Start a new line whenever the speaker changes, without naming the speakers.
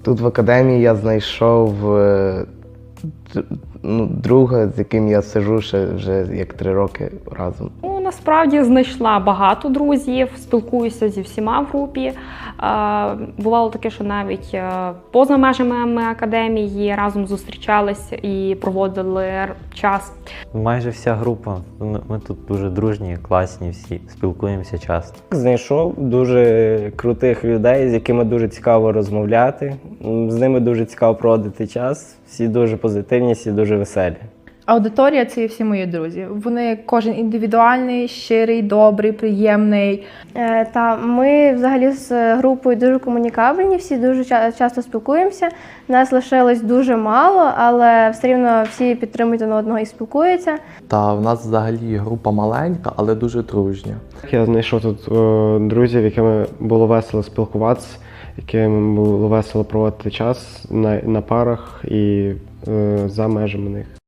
Тут в академії я знайшов друга, з яким я сиджу вже як 3 роки разом.
Ну, насправді знайшла багато друзів, спілкуюся зі всіма в групі. Бувало таке, що навіть поза межами академії разом зустрічалися і проводили час.
Майже вся група. Ми тут дуже дружні, класні всі, спілкуємося часто.
Знайшов дуже крутих людей, з якими дуже цікаво розмовляти. З ними дуже цікаво проводити час. Всі дуже позитивні, всі дуже веселі.
Аудиторія – це всі мої друзі. Вони кожен індивідуальний, щирий, добрий, приємний.
Та ми взагалі з групою дуже комунікабельні, всі дуже часто спілкуємося. Нас лишилось дуже мало, але все рівно всі підтримують один одного і спілкуються.
Та в нас взагалі група маленька, але дуже дружня.
Я знайшов тут друзів, якими було весело спілкуватися, якими було весело проводити час на парах і за межами них.